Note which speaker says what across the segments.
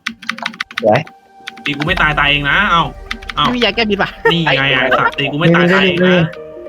Speaker 1: ไว้
Speaker 2: ตีกูไม่ตายเองนะเอ้า
Speaker 3: ไม่มียาแก้พิษป่ะ
Speaker 2: นี่ไงอ่ะสัตว์ตีกูไม่ตายเองนะ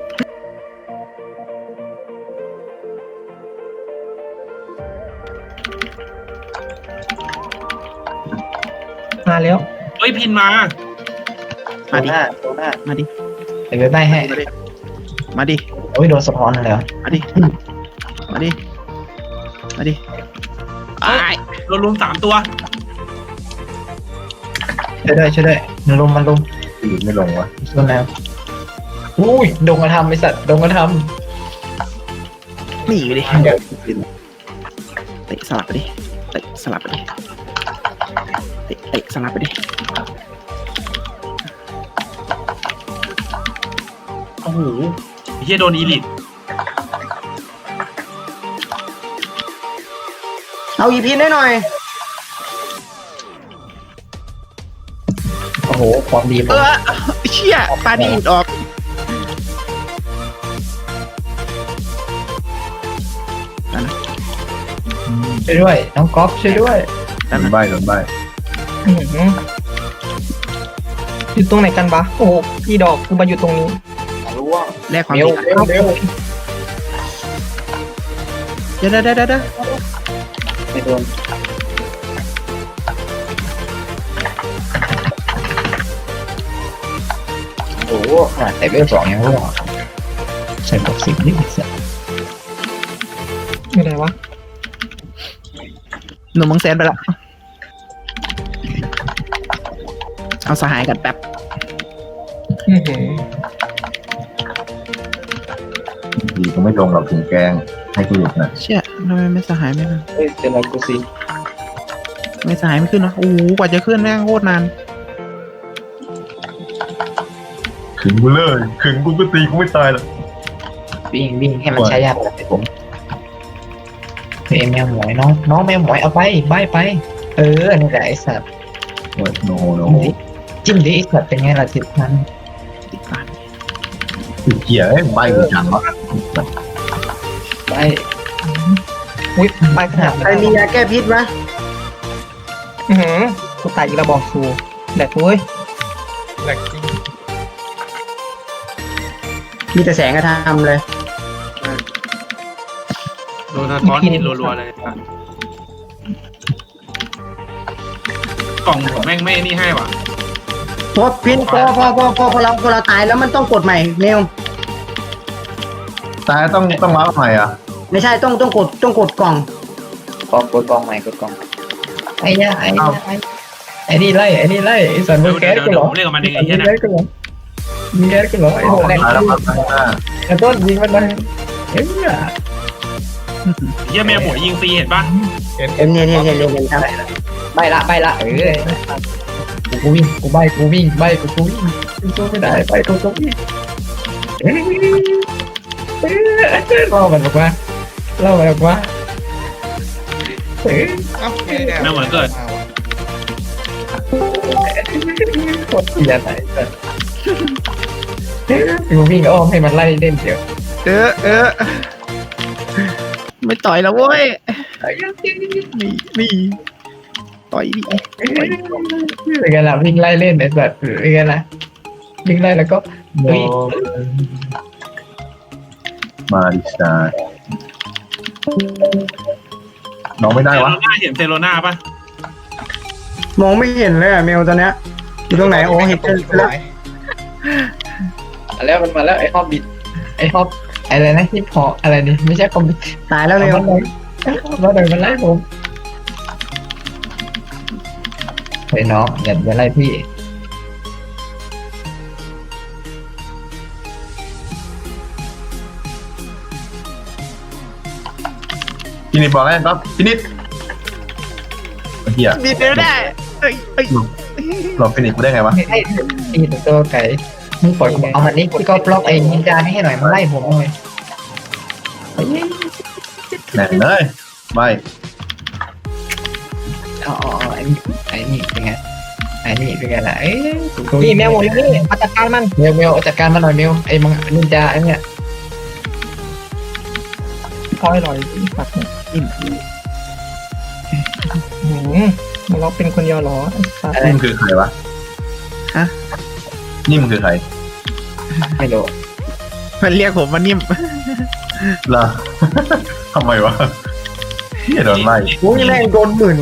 Speaker 1: มาแล้ว
Speaker 2: เฮ้ยพินมา
Speaker 1: โดนหน้า
Speaker 3: มาดิ
Speaker 1: เดี๋ยวได้ให้
Speaker 3: มาดิ
Speaker 1: โอ้ยโดนสะท้อนเลย
Speaker 3: มาดิมาดิมาดิไอ้
Speaker 2: เรารวม3 ตัว
Speaker 1: ช่วยด้วยมันลงไม่ลงวะโดนแล้วอุ้ยดงกระทำไอสัตว์ดงกระท
Speaker 3: หนีไปดิ
Speaker 1: ำเดี๋ยว
Speaker 3: เตะสลับไปดิเตะสลับไปดิเตะสลับไปดิ
Speaker 2: โอ้โหเฮียโดนอีลิท
Speaker 4: เอาอีพีได้หน่อย
Speaker 1: โอ้โหความดีผม
Speaker 3: เชี่ยปลาดีดออก
Speaker 1: ช่วยด้วยน้องก๊อฟช่วยด้วย
Speaker 3: นั่น
Speaker 5: โดน
Speaker 3: นะ
Speaker 5: ใบโดนใบ
Speaker 6: อยู่ตรงไหนกันปะโอ้โหพี่ดอกกูมาอยู่ตรงนี้
Speaker 3: แลกความ
Speaker 1: เร็ว
Speaker 3: ดีกัน
Speaker 1: เร็ว
Speaker 3: เดี๋ยว
Speaker 1: ไม่โดนโอ้โหขนาดแต่เวล2ยังร่วงใส่บอก10นี่สัตว์
Speaker 6: อยู่ไหนวะ
Speaker 3: หนุ่มมังแสนไปละเอาสหายกันแป๊บ
Speaker 6: อื้อหือ
Speaker 5: ดีก็ไม่ลงหรอกถึงแกงให้กูหยุดนะ
Speaker 3: เชี่ยทำไมไม่สหายไม่ขึ้น
Speaker 1: เฮ้ยเจอแล้วกูสิ
Speaker 3: ไม่สหายไม่ขึ้นเนอะโอ้โหกว่าจะขึ้นแม่งโคตรนาน
Speaker 5: ขึงกูเลยขึงกูก็ตีกูไม่ตายหรอก
Speaker 1: วิ่งให้มันใช้ยากเลยผมเฮ้ยแมวหมวยน้องแมวหมวยเอาไปใบไปนี่แหละไอ้สัตว์
Speaker 5: โอ้ยโนโน
Speaker 1: จิ้มดิไอ้สัตว์เป็นไงล่ะ10,000
Speaker 3: ติดบ้าน
Speaker 5: ติดเกียร์ใบกูจังวะ
Speaker 1: ไป
Speaker 6: อุ้ยไปขนาด
Speaker 4: ใครมียาแก้พิษไหม
Speaker 6: อื้อหือกูตายอีกระบอกสูแหลกเว้ย
Speaker 4: มีแต่แสงกระทำเลย
Speaker 2: โดนสะท้อนพินรัวๆเลยสัตว์กล่องผมแม่งไม่นี่ให้ว่ะ
Speaker 4: พอพินพอเราตายแล้วมันต้องกดใหม่เมล
Speaker 5: ตายต้องรับใหม่อ่ะ
Speaker 4: ไม่ใช่ต้องกดกล่อง
Speaker 1: กดกองใหม่กดกองไอ้เนี่ยไอ้นี่ไล่ไอ้สัตว์มึงแก๊สกู
Speaker 2: เดี๋
Speaker 1: เห
Speaker 2: ย
Speaker 1: ร
Speaker 2: ว
Speaker 1: อ
Speaker 2: ผมเรียกกับมันเองไอ้
Speaker 1: ยิ
Speaker 2: เหี้ย
Speaker 1: ง
Speaker 2: นะ
Speaker 1: แก๊สกูเหรอยิงแก๊สกูเหรอไอ้หัวแดง
Speaker 5: ตายแล้วครับตายแล้ว
Speaker 1: ไอ้ต้นยิงมันเลยเฮ้ย
Speaker 2: เฮียแมวหมวยยิงฟรีเห็นปะ
Speaker 4: เนี่ยครับ
Speaker 1: ใบละกูวิ่งกูใบกูวิ่งกูวิ่งกูไม่ได้ไปกูวิ่งเล่ามันออกมาแมวหมวยเกิด โคตรเสียไหนแต่กูวิ่งอ้อมให้มันไล่เล่นเดี๋ยว
Speaker 3: ไม่ต่อยแล้วเว้ยนี่ต่อยดิ
Speaker 1: เป็นไงล่ะวิ่งไล่เล่นไอ้แบบเป็นไงล่ะวิ่งไล่แล้วก็
Speaker 5: โนมาดิสาน้องไม่ได้วะ
Speaker 2: เห็นเซโรนาปะ
Speaker 4: มองไม่เห็นเลยอะเมลตอนเนี้ยอยู่ตรงไหนโอ้เห็นแล้ว
Speaker 1: มันมาแล้วไอ้ฮอบบิทไอ้ฮอบอะไรนะฮิปฮอปอะไรนี่ไม่ใช่คอมบิท
Speaker 4: ตายแล้วเมล
Speaker 1: มันเลยมันไล่ผมเฮ้ยน้องอย่าไล่พี่
Speaker 5: พี่นิดบอกแล้วครับพี่นิดเฮีย
Speaker 3: ดีเดียวได้เอ้ย
Speaker 5: หลอกพี่นิดกูได้ไงวะ
Speaker 1: ไอ้ตัวไก่มึงปล่อยเอามันนี่พี่ก็บล็อกไอ้นินจานี่ให้หน่อยมันไล่ผมเลย
Speaker 5: แหน่เลยใบ
Speaker 1: อ๋อไอ้นี่เป็นไงล่ะเอ้ย
Speaker 6: นี่แมวหมดเลยนี่มาจัดการมัน
Speaker 1: เมลจัดการมาหน่อยเมลไอ้มังนินจาไอ้เนี่ย
Speaker 6: พอให้หน่อยปัดเนี่ย
Speaker 3: อิ่ม
Speaker 6: อื้อหือมันล็อกเป็นคนเดียวเหรอไอ้สัส
Speaker 1: อะไร
Speaker 5: นี่มันคือใครวะ
Speaker 3: ฮะ
Speaker 5: นี่มันคือใคร
Speaker 1: ไม่รู้
Speaker 3: มันเรียกผมว่านิ่ม
Speaker 5: ล่ะ ทำไมวะเฮียโดนไล่
Speaker 4: อุ้ยแม่งโดนหมื่น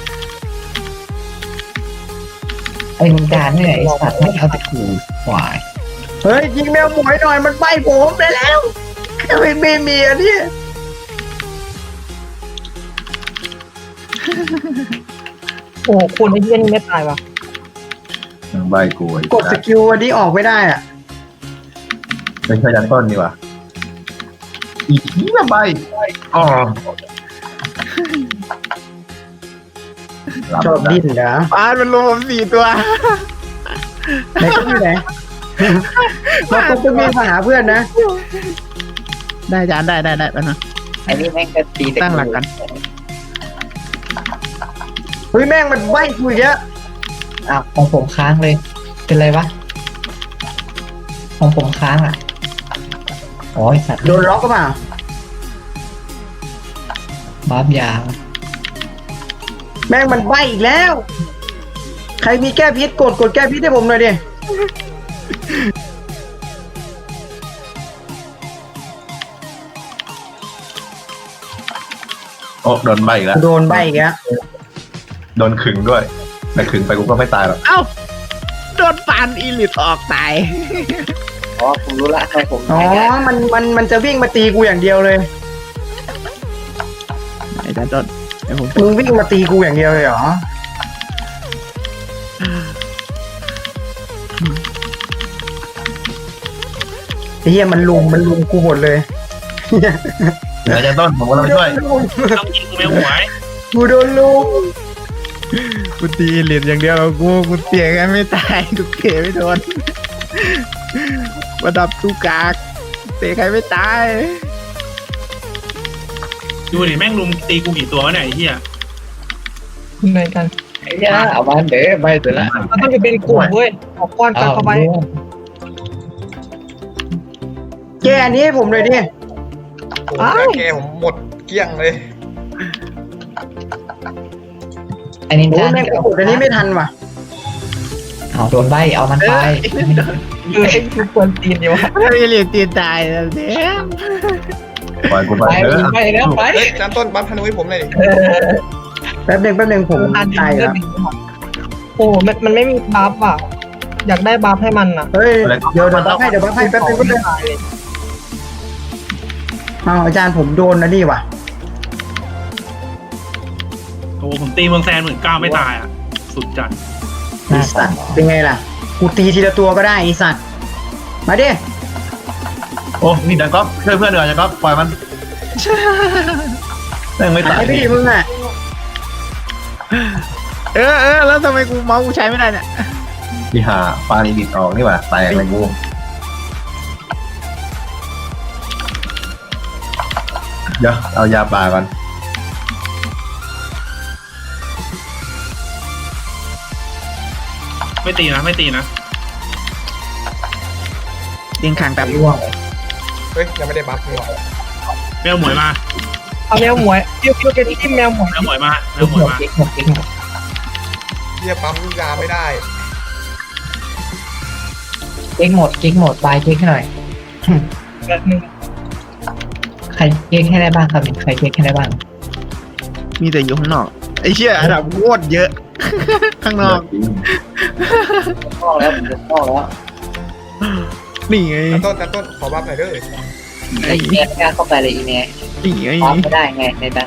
Speaker 1: ไอ้มึงการเนี่ยไอ้สัตว์ไม่เอาแต่กูหวาย
Speaker 4: เฮ้ยยิงแมวหมวยหน่อยมันใบผมไปแล้วไม่มีอันนี้
Speaker 6: โอ้โหคนไอ้เหี้ยนี่ไม่ตายวะ
Speaker 5: ยังใบกูไอ้
Speaker 4: กดสกิลอันนี้ออกไม่ได้อ่ะ
Speaker 5: เป็นชายันต้นนี่วะอีกทีละใบอ๋อ
Speaker 4: ชอบดิ้นเหรอ
Speaker 3: ปานมันรวมผม4 ตัว
Speaker 4: ไหนก็ที่ไหนเราต้องมีมาหาเพื่อนนะ
Speaker 3: ได้จานได้แป๊บนึง
Speaker 1: ไอ้นี่แม่งก็ตีแต่
Speaker 3: ตั้งหลักกัน
Speaker 4: เฮ้ยแม่งมันใบกูอีกแล้ว
Speaker 1: อ้าวของผมค้างเลย เป็นไรวะของผมค้างอ่ะอ๋อไอ้สัตว์
Speaker 4: โดนล็อกก็เปล่า
Speaker 1: บัฟยา
Speaker 4: แม่งมันใบอีกแล้ว ใครมีแก้พิษกดแก้พิษให้ผมหน่อยดิ
Speaker 5: โอ้โดนใบอีกแล้ว
Speaker 4: โดนใบอีกแล้ว
Speaker 5: โดนขึงด้วยแต่ขึงไปกูก็ไม่ตายหรอก
Speaker 3: เอ้าโดนปานอีลิตออกตาย
Speaker 1: อ๋อผมรู้ละทำไมผม
Speaker 4: อ๋อมันจะวิ่งมาตีกูอย่างเดียวเลย
Speaker 3: ไอ้จานต้นไอ้ผม
Speaker 4: มึงวิ่งมาตีกูอย่างเดียวเลยเหรอไอ้เหี้ยมันลุมกูหมดเลย
Speaker 5: ชายันต้นผมก็ต้องไปช่วย
Speaker 2: ต้องยิงแมวหมวย
Speaker 4: กูโดนลุม
Speaker 3: กูตีอีลิตอย่างเดียวกูเตียกันไม่ตายกูเตะไม่โดนระดับตู้กากเตะใครไม่ตาย
Speaker 2: ดูดิแม่งลุมตีกูกี่ตัววะเนี่ยไอ้เหี้ย
Speaker 6: คุณนายกัน
Speaker 1: ไอ้ยาเอามาเด้อไปเถอะละ
Speaker 6: มันต้องเป็นกลุ่มเว้ยออกก้อนกันเข้าไป
Speaker 4: แกอันนี้ให้ผมเลยดิ
Speaker 6: อ้าว
Speaker 7: แกผมหมดเกลี้ยงเลย
Speaker 1: ไอ้นิน
Speaker 4: โอ้
Speaker 1: จาย
Speaker 4: แม่งกดอันนี้ไม่ทันว่ะ
Speaker 1: เอาโดนใบเอามันไป
Speaker 6: คือไอ้กูควรตีนอยู่วะ
Speaker 3: อีลิตตีตายแล้วเนี่ย
Speaker 5: ปล่อยกูไป
Speaker 1: ไป
Speaker 5: เถอะ
Speaker 1: ไปแล้วไป
Speaker 7: เฮ้ยจานต้นบัฟธนูให้ผมเลยดิ
Speaker 4: แป๊บหนึ่งผม
Speaker 6: อัน
Speaker 4: ตายแล้ว
Speaker 6: โอ้มันไม่มีบัฟอ่ะ อยากได้บัฟให้มันอ่ะ
Speaker 4: เฮ้ยเดี๋ยวบัฟให้แป๊บนึงเอาอาจารย์ผมโดนนะนี่ว่ะ
Speaker 2: โอ้ผมตีเมืองแซน19,000ไม่ตายอ่ะสุดจัด
Speaker 4: ไอสัตว์เป็นไงล่ะ กูตีทีละตัวก็ได้ไอสัตว์มาดิ
Speaker 5: โอ้นี่ดันก๊อฟช่วยเพื่อนหน่อยจันก๊อฟปล่อยมันแม่งไม่ตาย
Speaker 4: ไอ้พี่มึงอ่ะ
Speaker 3: แล้วทำไมกูเมาส์กูใช้ไม่ได้เนี่ย
Speaker 5: ที่หาปาลีดิดออกนี่หว่าแตกเลยกูเดี๋ยวเอายาปลาก่อน
Speaker 2: ไม่ตีนะไม่ตีนะ
Speaker 3: ยิงคางแบบ
Speaker 1: ร่วง
Speaker 7: เฮ้ยยังไม่ได้บัฟนี่หว่า
Speaker 2: แมวหมวยมา
Speaker 6: เอาแมวหมวยพิวเป็นที่แมวหมวย
Speaker 2: แมวหมวยมาแม
Speaker 1: เก็
Speaker 2: ว
Speaker 1: ก
Speaker 2: หม
Speaker 1: ห
Speaker 2: ว
Speaker 1: ม
Speaker 2: ย
Speaker 1: ด
Speaker 2: มา
Speaker 1: เก็กหมดเก็กหมด
Speaker 7: เฮียปั๊มยาไม่ได้
Speaker 1: เก็กหมดเก็กหมดไปเก็กให้หน่อย
Speaker 6: แบบนึง
Speaker 1: ใครเก็กให้ได้บ้างครับใครเก็กให้ได้บ้าง
Speaker 3: มีแต่อยู่ข้างนอกไอ้เชี่ยอันดับโคตรเยอะ ข้างนอก
Speaker 1: พ่อแล้วผมพ่อแล้ว
Speaker 3: นี่ไง
Speaker 7: จานต้นขอบัฟหน่อยเด้อ
Speaker 1: ไอ้เนี่ยกล้าเข้าไปเลยอีเนี่ย
Speaker 3: นี่ไง
Speaker 1: พร้อมไม่ได้ไงในนั้น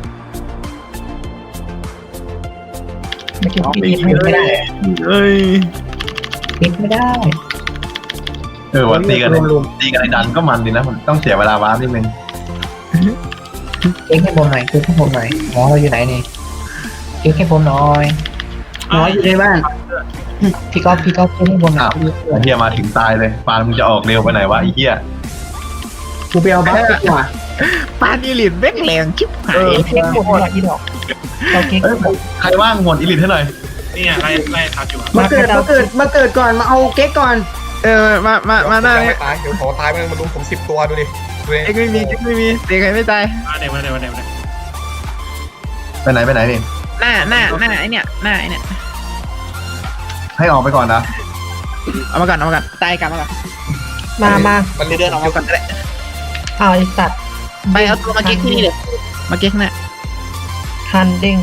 Speaker 6: ไม่กิน
Speaker 1: น้อง
Speaker 6: ปี
Speaker 1: ปีนไม่ได้
Speaker 3: เอ้ย
Speaker 1: ปีนไม่ได้
Speaker 5: วันตีกันในดันก็มันดีนะมันต้องเสียเวลาว้านิดนึง
Speaker 1: เก็กให้ผมหน่อยเก็กให้ผมหน่อยหมอเราอยู่ไหนนี่เก็กให้ผมหน่อย
Speaker 4: น้อยอยู่ในบ้าน
Speaker 1: พี่ก๊อฟเก็กให้ผมหน่อย
Speaker 5: ไอ้เฮียมาถึงตายเลยปานมึงจะออกเร็วไปไหนวะไอ้เฮีย
Speaker 4: กูไปเอาบัฟดีกว่า
Speaker 3: ปานอีลิตแม่งแรงชิบหาย
Speaker 6: เค้กหมดหน่อยอีดอกเราเค้ก
Speaker 5: เอ้ยใครว่างหมดอีลิทให้หน่อย
Speaker 2: นี่ไงไล่ทับอยู่อะ
Speaker 4: มาเกิดก่อนมาเอาเก๊กก่อน
Speaker 3: มาหน้า
Speaker 7: ยัง
Speaker 3: เนี่ย
Speaker 7: ไม่ตายเดี๋ยวขอตายมันมาลุมผม10 ตัวดูดิดูดิ
Speaker 3: เอ็กไม่มีเตะใครไม่ตาย
Speaker 2: มาเดี๋ยว
Speaker 5: ไปไหนนี่
Speaker 3: หน้าไอเนี่ยหน้าไอเนี่ย
Speaker 5: ให้ออกไปก่อนนะ
Speaker 3: เอามาก่อนตายกลับมาก่อน
Speaker 6: มา
Speaker 7: มัน
Speaker 3: เดินออกมาก่อนก็ได้
Speaker 6: เอาไอสัตว์
Speaker 3: ไปเอาตัวมาเก๊กที่นี่เลยมาเก๊กเนี่ย
Speaker 6: คันเด้ง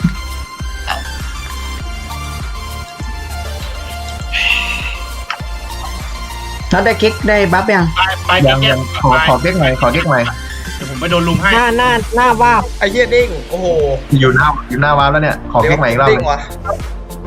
Speaker 4: แล้วได้เก๊กได้บัฟยัง
Speaker 2: ไป
Speaker 5: ยัง
Speaker 2: แก้
Speaker 5: ยังขอเก๊กหน่อยขอเก๊กหน่อย
Speaker 2: เดี๋ยวผมไปโดนลุมให้
Speaker 6: หน้าวาบ
Speaker 7: ไอ้เหี้ยเด้งโอ้โห
Speaker 5: อยู่หน้าวาร์ปแล้วเนี่ยขอเก๊กใหม่อีกรอบ
Speaker 7: เด้งวะ